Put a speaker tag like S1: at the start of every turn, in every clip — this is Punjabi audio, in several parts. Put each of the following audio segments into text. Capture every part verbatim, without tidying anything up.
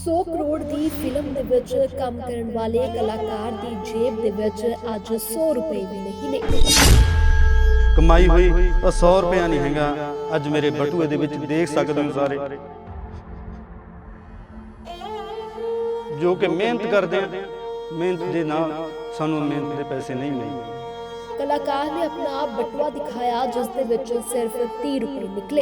S1: सौ करोड़ की फिल्म दे विच काम करन वाले कलाकार की जेब दे विच अज सौ रुपए भी नहीं ने।
S2: कमाई हुई और सौ रुपया नहीं हैगा। अज मेरे बटूए दे विच देख सकते हो सारे जो कि मेहनत करते हैं, मेहनत के नाल सानू मेहनत के पैसे नहीं मिलते।
S1: कलाकार ने अपना बटुआ दिखाया जिस दे विच सिर्फ तीह रुपए निकले।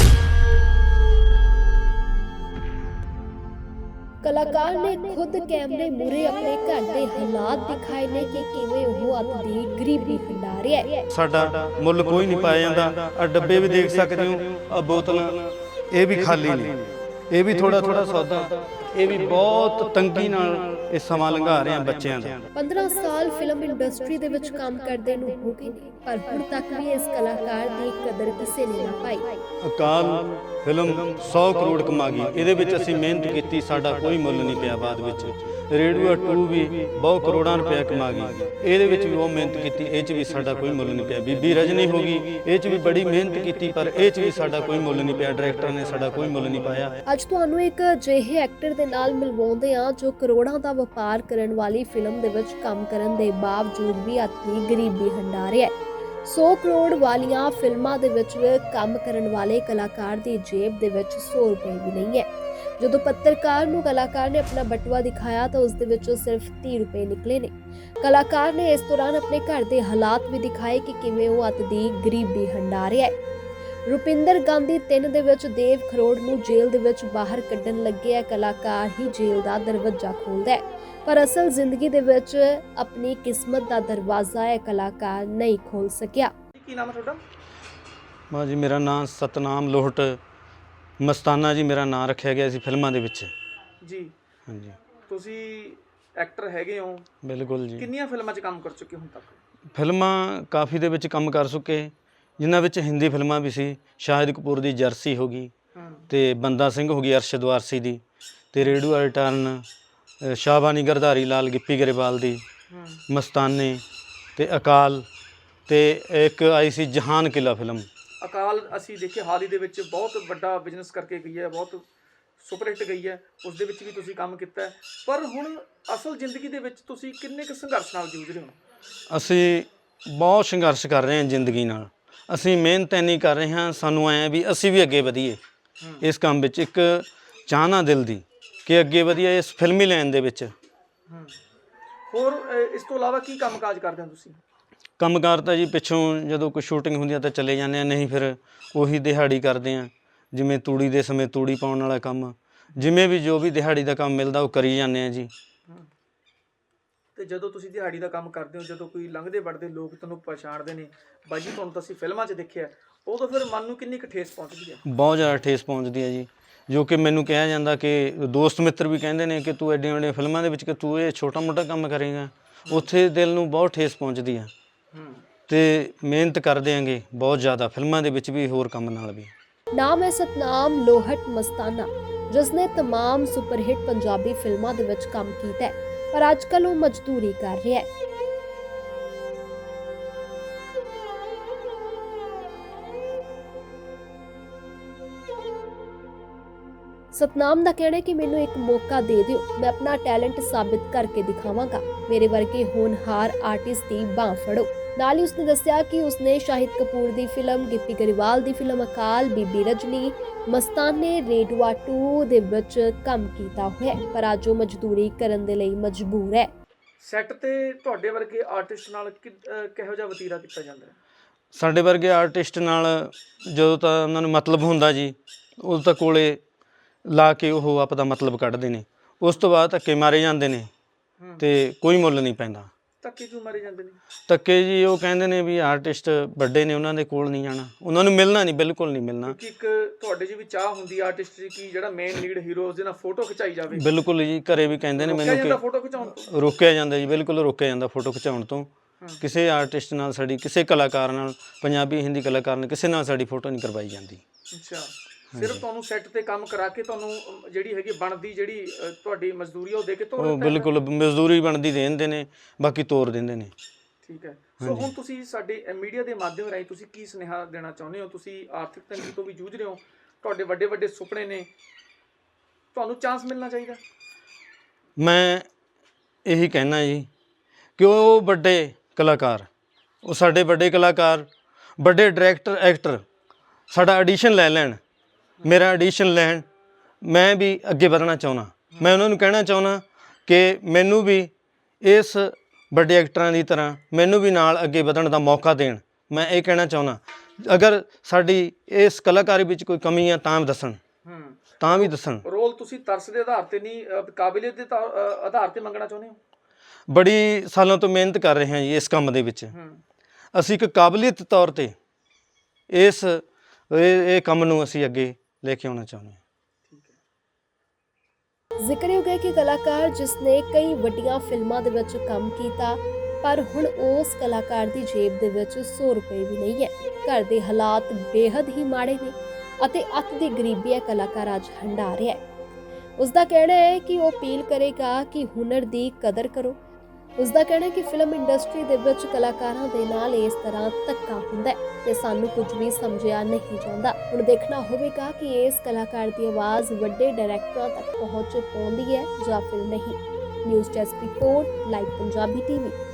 S1: कलाकार ने खुद कैमरे मूहरे अपने घर के हालात दिखाए ने कि किवें ओह अत दी गरीबी हंडा रिहा है।
S2: साडा मुੱਲ कोई नहीं पाया जाता। आ डब्बे भी देख सकते हो, आ बोतलां ये भी खाली ने, ये भी थोड़ा थोड़ा सौदा, ये भी बहुत तंगी नाल ये समा लंघा रहे हैं बच्चों का।
S1: पंद्रह साल फिल्म इंडस्ट्री दे विच काम करदे नूं हो गए ने, पर हुण तक भी इस कलाकार दी कदर किसे ने ना पाई।
S2: अकाल फिल्म सौ करोड़ कमा गई, ਇਹਦੇ ਵਿੱਚ ਅਸੀਂ ਮਿਹਨਤ ਕੀਤੀ, ਸਾਡਾ ਕੋਈ ਮੁੱਲ ਨਹੀਂ ਪਿਆ। ਬਾਅਦ ਵਿੱਚ ਰੇਡੂਆ ਟੂ ਵੀ ਬਹੁਤ ਕਰੋੜਾਂ ਰੁਪਏ ਕਮਾ ਗਈ, ਇਹਦੇ ਵਿੱਚ ਵੀ ਉਹ ਮਿਹਨਤ ਕੀਤੀ, ਇਹ 'ਚ ਵੀ ਸਾਡਾ ਕੋਈ ਮੁੱਲ ਨਹੀਂ ਪਿਆ। ਬੀਬੀ ਰਜਨੀ ਹੋ ਗਈ, ਇਹ 'ਚ ਵੀ ਬੜੀ ਮਿਹਨਤ ਕੀਤੀ, ਪਰ ਇਹ 'ਚ ਵੀ ਸਾਡਾ ਕੋਈ ਮੁੱਲ ਨਹੀਂ ਪਿਆ। ਡਾਇਰੈਕਟਰ ਨੇ ਸਾਡਾ ਕੋਈ ਮੁੱਲ ਨਹੀਂ ਪਾਇਆ।
S1: ਅੱਜ ਤੁਹਾਨੂੰ ਇੱਕ ਅਜਿਹੇ ਐਕਟਰ ਦੇ ਨਾਲ ਮਿਲਵਾਉਂਦੇ ਆ ਜੋ ਕਰੋੜਾਂ ਦਾ ਵਪਾਰ ਕਰਨ ਵਾਲੀ ਫਿਲਮ ਦੇ ਵਿੱਚ ਕੰਮ ਕਰਨ ਦੇ ਬਾਵਜੂਦ ਵੀ ਆਪਣੀ ਗਰੀਬੀ ਹੰਡਾ ਰਿਹਾ ਹੈ। सौ करोड़ वालियां फिल्मां दे विच काम करन वाले कलाकार दी जेब दे विच सौ रुपए भी नहीं है। जदों पत्रकार नूं कलाकार ने अपना बटुआ दिखाया तो उस दे विचों सिर्फ तीह रुपए निकले ने। कलाकार ने इस दौरान अपने घर दे हालात भी दिखाए कि किवें ओह अत दी गरीबी हंडा रिहा है। रुपिंदर गांधी तीन दे विच देव खरोड़ नूं जेल दे विच बाहर कड्ढण लगे है, कलाकार ही जेल दा दरवाजा खोलदा है, पर असल जिंदगी दे विच अपनी किस्मत दा दरवाजा है कलाकार नहीं खोल सकिया।
S3: ਕੀ ਨਾਮ ਹੈ ਤੁਹਾਡਾ?
S2: ਮਾਂ ਜੀ ਮੇਰਾ ਨਾਮ ਸਤਨਾਮ ਲੋਹਟ ਮਸਤਾਨਾ ਜੀ ਮੇਰਾ ਨਾਮ ਰੱਖਿਆ ਗਿਆ ਸੀ ਫਿਲਮਾਂ ਦੇ ਵਿੱਚ
S3: ਜੀ।
S2: ਹਾਂਜੀ
S3: ਤੁਸੀਂ ਐਕਟਰ ਹੈਗੇ ਹੋ,
S2: ਬਿਲਕੁਲ ਜੀ।
S3: ਕਿੰਨੀਆਂ ਫਿਲਮਾਂ 'ਚ ਕੰਮ ਕਰ ਚੁੱਕੇ ਹੁਣ ਤੱਕ?
S2: ਫਿਲਮਾਂ ਕਾਫੀ ਦੇ ਵਿੱਚ ਕੰਮ ਕਰ ਚੁੱਕੇ, ਜਿਨ੍ਹਾਂ ਵਿੱਚ ਹਿੰਦੀ ਫਿਲਮਾਂ ਵੀ ਸੀ। ਸ਼ਾਹਿਦ ਕਪੂਰ ਦੀ ਜਰਸੀ ਹੋ ਗਈ, ਤੇ ਬੰਦਾ ਸਿੰਘ ਹੋ ਗਈ ਅਰਸ਼ਦ ਵਾਰਸੀ ਦੀ, ਤੇ ਰੇਡੂਆ ਰਿਟਰਨ, ਸ਼ਾਹਬਾਨੀ ਗਰਧਾਰੀ ਲਾਲ, ਗਿੱਪੀ ਗਰੇਵਾਲ ਦੀ, ਮਸਤਾਨੇ, ਤੇ ਅਕਾਲ, ਤੇ ਇੱਕ ਆਈ ਸੀ ਜਹਾਨ ਕਿਲਾ ਫਿਲਮ।
S3: ਅਕਾਲ ਅਸੀਂ ਦੇਖੇ ਹਾਲ ਹੀ ਦੇ ਵਿੱਚ ਬਹੁਤ ਵੱਡਾ ਬਿਜ਼ਨਸ ਕਰਕੇ ਗਈ ਹੈ, ਬਹੁਤ ਸੁਪਰਹਿੱਟ ਗਈ ਹੈ, ਉਸ ਦੇ ਵਿੱਚ ਵੀ ਤੁਸੀਂ ਕੰਮ ਕੀਤਾ ਹੈ। ਪਰ ਹੁਣ ਅਸਲ ਜ਼ਿੰਦਗੀ ਦੇ ਵਿੱਚ ਤੁਸੀਂ ਕਿੰਨੇ ਕੁ ਸੰਘਰਸ਼ ਨਾਲ ਜੂਝ ਰਹੇ ਹੋ?
S2: ਅਸੀਂ ਬਹੁਤ ਸੰਘਰਸ਼ ਕਰ ਰਹੇ ਹਾਂ ਜ਼ਿੰਦਗੀ ਨਾਲ। ਅਸੀਂ ਮਿਹਨਤ ਇੰਨੀ ਕਰ ਰਹੇ ਹਾਂ, ਸਾਨੂੰ ਐਂ ਵੀ ਅਸੀਂ ਵੀ ਅੱਗੇ ਵਧੀਏ ਇਸ ਕੰਮ ਵਿੱਚ। ਇੱਕ ਚਾਹਨਾ ਦਿਲ ਦੀ ਕਿ ਅੱਗੇ ਵਧੀਏ ਇਸ ਫਿਲਮੀ ਲਾਈਨ ਦੇ ਵਿੱਚ।
S3: ਹੋਰ ਅ, ਇਸ ਤੋਂ ਇਲਾਵਾ ਕੀ ਕੰਮ ਕਾਜ ਕਰਦੇ ਹੋ ਤੁਸੀਂ?
S2: ਕੰਮਕਾਰ ਤਾਂ ਜੀ ਪਿੱਛੋਂ ਜਦੋਂ ਕੋਈ ਸ਼ੂਟਿੰਗ ਹੁੰਦੀ ਆ ਤਾਂ ਚਲੇ ਜਾਂਦੇ ਹਾਂ, ਨਹੀਂ ਫਿਰ ਉਹੀ ਦਿਹਾੜੀ ਕਰਦੇ ਹਾਂ। ਜਿਵੇਂ ਤੂੜੀ ਦੇ ਸਮੇਂ ਤੂੜੀ ਪਾਉਣ ਵਾਲਾ ਕੰਮ, ਜਿਵੇਂ ਵੀ ਜੋ ਵੀ ਦਿਹਾੜੀ ਦਾ ਕੰਮ ਮਿਲਦਾ ਉਹ ਕਰੀ ਜਾਂਦੇ ਹਾਂ ਜੀ।
S3: ਤੇ ਜਦੋਂ ਤੁਸੀਂ ਦਿਹਾੜੀ ਦਾ ਕੰਮ ਕਰਦੇ ਹੋ, ਜਦੋਂ ਕੋਈ ਲੰਘਦੇ ਵੜਦੇ ਲੋਕ ਤੁਹਾਨੂੰ ਪਛਾਣਦੇ ਨੇ, ਬਾਈ ਜੀ ਤੁਹਾਨੂੰ ਤਾਂ ਅਸੀਂ ਫਿਲਮਾਂ 'ਚ ਦੇਖਿਆ, ਉਦੋਂ ਫਿਰ ਮਨ ਨੂੰ ਕਿੰਨੀ ਕੁ ਠੇਸ ਪਹੁੰਚਦੀ ਹੈ?
S2: ਬਹੁਤ ਜ਼ਿਆਦਾ ਠੇਸ ਪਹੁੰਚਦੀ ਹੈ ਜੀ। ਜੋ ਕਿ ਮੈਨੂੰ ਕਿਹਾ ਜਾਂਦਾ ਕਿ ਦੋਸਤ ਮਿੱਤਰ ਵੀ ਕਹਿੰਦੇ ਨੇ ਕਿ ਤੂੰ ਐਡੀਆਂ ਵੱਡੀਆਂ ਫਿਲਮਾਂ ਦੇ ਵਿੱਚ ਕਿ ਤੂੰ ਇਹ ਛੋਟਾ ਮੋਟਾ ਕੰਮ ਕਰੇਗਾ, ਉੱਥੇ ਦਿਲ ਨੂੰ ਬਹੁਤ ਠੇਸ ਪਹੁੰਚਦੀ ਆ। ਤੇ ਮਿਹਨਤ ਕਰਦੇ ਆਂਗੇ ਬਹੁਤ ਜ਼ਿਆਦਾ ਫਿਲਮਾਂ ਦੇ ਵਿੱਚ ਵੀ, ਹੋਰ ਕੰਮ ਨਾਲ ਵੀ।
S1: ਨਾਮ ਹੈ ਸਤਨਾਮ ਲੋਹਟ ਮਸਤਾਨਾ, ਜਿਸਨੇ तमाम ਸੁਪਰਹਿੱਟ ਪੰਜਾਬੀ ਫਿਲਮਾਂ ਦੇ ਵਿੱਚ ਕੰਮ ਕੀਤਾ ਹੈ, ਪਰ ਅੱਜ ਕੱਲ੍ਹ ਉਹ ਮਜ਼ਦੂਰੀ ਕਰ ਰਿਹਾ ਹੈ। ਸਤਨਾਮ ਦਾ ਕਹਿਣਾ ਹੈ ਕਿ ਮੈਨੂੰ ਇੱਕ ਮੌਕਾ ਦੇ ਦਿਓ, ਮੈਂ ਆਪਣਾ ਟੈਲੈਂਟ ਸਾਬਿਤ ਕਰਕੇ ਦਿਖਾਵਾਂਗਾ, ਮੇਰੇ ਵਰਗੇ ਹੋਣਹਾਰ ਆਰਟਿਸਟ ਦੀ ਬਾਂਹ ਫੜੋ। ਨਾਲ ਹੀ ਉਸਨੇ ਦੱਸਿਆ ਕਿ ਉਸਨੇ ਸ਼ਾਹਿਦ ਕਪੂਰ ਦੀ ਫਿਲਮ, ਗਿੱਪੀ ਗਰੇਵਾਲ ਦੀ film Akaal, Bibi Rajni, Mastaney, ਰੇਡੂਆ to ਦੇ ਵਿੱਚ ਕੰਮ ਕੀਤਾ ਹੋਇਆ ਹੈ, ਪਰ ਅੱਜ ਉਹ ਮਜ਼ਦੂਰੀ ਕਰਨ ਦੇ ਲਈ ਮਜਬੂਰ ਹੈ।
S3: ਸੈੱਟ ਤੇ ਤੁਹਾਡੇ ਵਰਗੇ ਆਰਟਿਸਟ ਨਾਲ ਕਿ- ਅ, ਕਿਹੋ ਜਿਹਾ ਵਤੀਰਾ ਕੀਤਾ ਜਾਂਦਾ ਹੈ?
S2: ਸਾਡੇ ਵਰਗੇ ਆਰਟਿਸਟ ਨਾਲ ਜਦੋਂ ਤਾਂ ਉਹਨਾਂ ਨੂੰ ਮਤਲਬ ਹੁੰਦਾ ਜੀ, ਉਦੋਂ ਤਾਂ ਕੋਲੇ ਲਾ ਕੇ ਉਹ ਆਪਦਾ ਮਤਲਬ ਕੱਢਦੇ ਨੇ। ਉਸ ਤੋਂ ਬਾਅਦ ਧੱਕੇ ਮਾਰੇ ਜਾਂਦੇ ਨੇ ਤੇ ਕੋਈ ਮੁੱਲ ਨਹੀਂ ਪੈਂਦਾ।
S3: ਧੱਕੇ ਕਿਉਂ ਮਾਰੇ ਜਾਂਦੇ ਨੇ?
S2: ਧੱਕੇ ਜੀ ਉਹ ਕਹਿੰਦੇ ਨੇ ਵੀ ਆਰਟਿਸਟ ਵੱਡੇ ਨੇ, ਉਹਨਾਂ ਦੇ ਕੋਲ ਨਹੀਂ ਜਾਣਾ, ਉਹਨਾਂ ਨੂੰ ਮਿਲਣਾ ਨਹੀਂ, ਬਿਲਕੁਲ ਨਹੀਂ ਮਿਲਣਾ।
S3: ਕਿਉਂਕਿ ਇੱਕ ਤੁਹਾਡੇ 'ਚ ਵੀ ਚਾਹ ਹੁੰਦੀ ਆਰਟਿਸਟ ਦੀ ਕਿ ਜਿਹੜਾ ਮੇਨ ਲੀਡ ਹੀਰੋ ਉਸ ਦੇ ਨਾਲ ਫੋਟੋ ਖਿਚਾਈ ਜਾਵੇ।
S2: ਬਿਲਕੁਲ ਜੀ, ਘਰੇ ਵੀ ਕਹਿੰਦੇ ਨੇ ਮੈਨੂੰ ਕਿ
S3: ਫੋਟੋ ਖਿਚਾਉਣ ਤੋਂ
S2: ਰੋਕਿਆ ਜਾਂਦਾ ਜੀ, ਬਿਲਕੁਲ ਰੋਕਿਆ ਜਾਂਦਾ ਫੋਟੋ ਖਿਚਾਉਣ ਤੋਂ। ਕਿਸੇ ਆਰਟਿਸਟ ਨਾਲ ਸਾਡੀ, ਕਿਸੇ ਕਲਾਕਾਰ ਨਾਲ, ਪੰਜਾਬੀ ਹਿੰਦੀ ਕਲਾਕਾਰ ਨਾਲ ਕਿਸੇ ਨਾਲ ਸਾਡੀ ਫੋਟੋ ਨਹੀਂ ਕਰਵਾਈ ਜਾਂਦੀ।
S3: ਅੱਛਾ, ਸਿਰਫ ਤੁਹਾਨੂੰ ਸੈੱਟ ਤੇ ਕੰਮ ਕਰਾ ਕੇ ਤੁਹਾਨੂੰ ਅਮ, ਜਿਹੜੀ ਹੈਗੀ ਬਣਦੀ ਜਿਹੜੀ ਅ, ਤੁਹਾਡੀ ਮਜ਼ਦੂਰੀ ਉਹ ਦੇ ਕੇ ਤੋਰ
S2: ਉਹ
S3: ਦਿੱਤਾ ਹੈ?
S2: ਬਿਲਕੁਲ ਮਜ਼ਦੂਰੀ ਬਣਦੀ ਦੇ ਦਿੰਦੇ ਨੇ, ਬਾਕੀ ਤੋਰ ਦਿੰਦੇ ਨੇ।
S3: ਠੀਕ ਹੈ। ਸੋ ਹੁਣ ਤੁਸੀਂ ਸਾਡੇ ਮੀਡੀਆ ਦੇ ਮਾਧਿਅਮ ਰਾਹੀਂ ਤੁਸੀਂ ਕੀ ਸੁਨੇਹਾ ਦੇਣਾ ਚਾਹੁੰਦੇ ਹੋ? ਤੁਸੀਂ ਆਰਥਿਕ ਤੰਗੀ ਤੋਂ ਵੀ ਜੂਝ ਰਹੇ ਹੋ, ਤੁਹਾਡੇ ਵੱਡੇ ਵੱਡੇ ਸੁਪਨੇ ਨੇ, ਤੁਹਾਨੂੰ ਚਾਂਸ ਮਿਲਣਾ ਚਾਹੀਦਾ?
S2: ਮੈਂ ਇਹੀ ਕਹਿਣਾ ਜੀ ਕਿ ਉਹ ਵੱਡੇ ਕਲਾਕਾਰ, ਉਹ ਸਾਡੇ ਵੱਡੇ ਕਲਾਕਾਰ, ਵੱਡੇ ਡਾਇਰੈਕਟਰ, ਐਕਟਰ ਸਾਡਾ ਆਡੀਸ਼ਨ ਲੈ ਲੈਣ, ਮੇਰਾ ਆਡੀਸ਼ਨ ਲੈਣ। ਮੈਂ ਵੀ ਅੱਗੇ ਵਧਣਾ ਚਾਹੁੰਦਾ। ਮੈਂ ਉਹਨਾਂ ਨੂੰ ਕਹਿਣਾ ਚਾਹੁੰਦਾ ਕਿ ਮੈਨੂੰ ਵੀ ਇਸ ਵੱਡੇ ਐਕਟਰਾਂ ਦੀ ਤਰ੍ਹਾਂ ਮੈਨੂੰ ਵੀ ਨਾਲ ਅੱਗੇ ਵਧਣ ਦਾ ਮੌਕਾ ਦੇਣ। ਮੈਂ ਇਹ ਕਹਿਣਾ ਚਾਹੁੰਦਾ, ਅਗਰ ਸਾਡੀ ਇਸ ਕਲਾਕਾਰੀ ਵਿੱਚ ਕੋਈ ਕਮੀ ਆ ਤਾਂ ਦੱਸਣ,
S3: ਹੂੰ
S2: ਤਾਂ ਵੀ ਦੱਸਣ।
S3: ਰੋਲ ਤੁਸੀਂ ਤਰਸ ਦੇ ਆਧਾਰ ਤੇ ਨਹੀਂ, ਅਹ, ਕਾਬਲੀਅਤ ਦੇ ਤਾਂ- ਅਹ, ਆਧਾਰ ਤੇ ਮੰਗਣਾ ਚਾਹੁੰਦੇ ਹੋ?
S2: ਬੜੀ ਸਾਲਾਂ ਤੋਂ ਮਿਹਨਤ ਕਰ ਰਹੇ ਹਾਂ ਜੀ ਇਸ ਕੰਮ ਦੇ ਵਿੱਚ।
S3: ਹੂੰ
S2: ਅਸੀਂ ਇੱਕ ਕਾਬਲੀਅਤ ਤੌਰ ਤੇ ਇਸ ਇਹ ਇਹ ਕੰਮ ਨੂੰ ਅਸੀਂ ਅੱਗੇ ਲੈ ਕੇ ਆਉਣਾ ਚਾਹੁੰਦੇ ਹਾਂ।
S1: ਜ਼ਿਕਰਯੋਗ ਹੈ ਕਿ ਕਲਾਕਾਰ ਜਿਸ ਨੇ ਕਈ ਵੱਡੀਆਂ ਫਿਲਮਾਂ ਦੇ ਵਿੱਚ ਕੰਮ ਕੀਤਾ, ਪਰ ਹੁਣ ਉਸ ਕਲਾਕਾਰ ਦੀ ਜੇਬ ਦੇ ਵਿੱਚ ਸੌ ਰੁਪਏ ਵੀ ਨਹੀਂ ਹੈ। ਘਰ ਦੇ ਹਾਲਾਤ ਬੇਹੱਦ ਹੀ ਮਾੜੇ ਨੇ ਅਤੇ ਅੱਤ ਦੀ ਗਰੀਬੀ ਹੈ ਕਲਾਕਾਰ ਅੱਜ ਹੰਢਾ ਰਿਹਾ ਹੈ। ਉਸ ਦਾ ਕਹਿਣਾ ਹੈ ਕਿ ਉਹ ਅਪੀਲ ਕਰੇਗਾ ਕਿ ਹੁਨਰ ਦੀ ਕਦਰ ਕਰੋ। ਉਸ ਦਾ ਕਹਿਣਾ ਹੈ ਕਿ ਫਿਲਮ ਇੰਡਸਟਰੀ ਦੇ ਵਿੱਚ ਕਲਾਕਾਰਾਂ ਦੇ ਨਾਲ ਇਸ ਤਰ੍ਹਾਂ ਧੱਕਾ ਹੁੰਦਾ ਹੈ ਤੇ ਸਾਨੂੰ ਕੁਝ ਵੀ ਸਮਝਿਆ ਨਹੀਂ ਜਾਂਦਾ। ਹੁਣ ਦੇਖਣਾ ਹੋਵੇਗਾ ਕਿ ਇਸ ਕਲਾਕਾਰ ਦੀ ਆਵਾਜ਼ ਵੱਡੇ ਡਾਇਰੈਕਟਰਾਂ ਤੱਕ ਪਹੁੰਚ ਪਾਉਂਦੀ ਹੈ ਜਾਂ ਫਿਰ ਨਹੀਂ। News desk report, live Punjabi TV.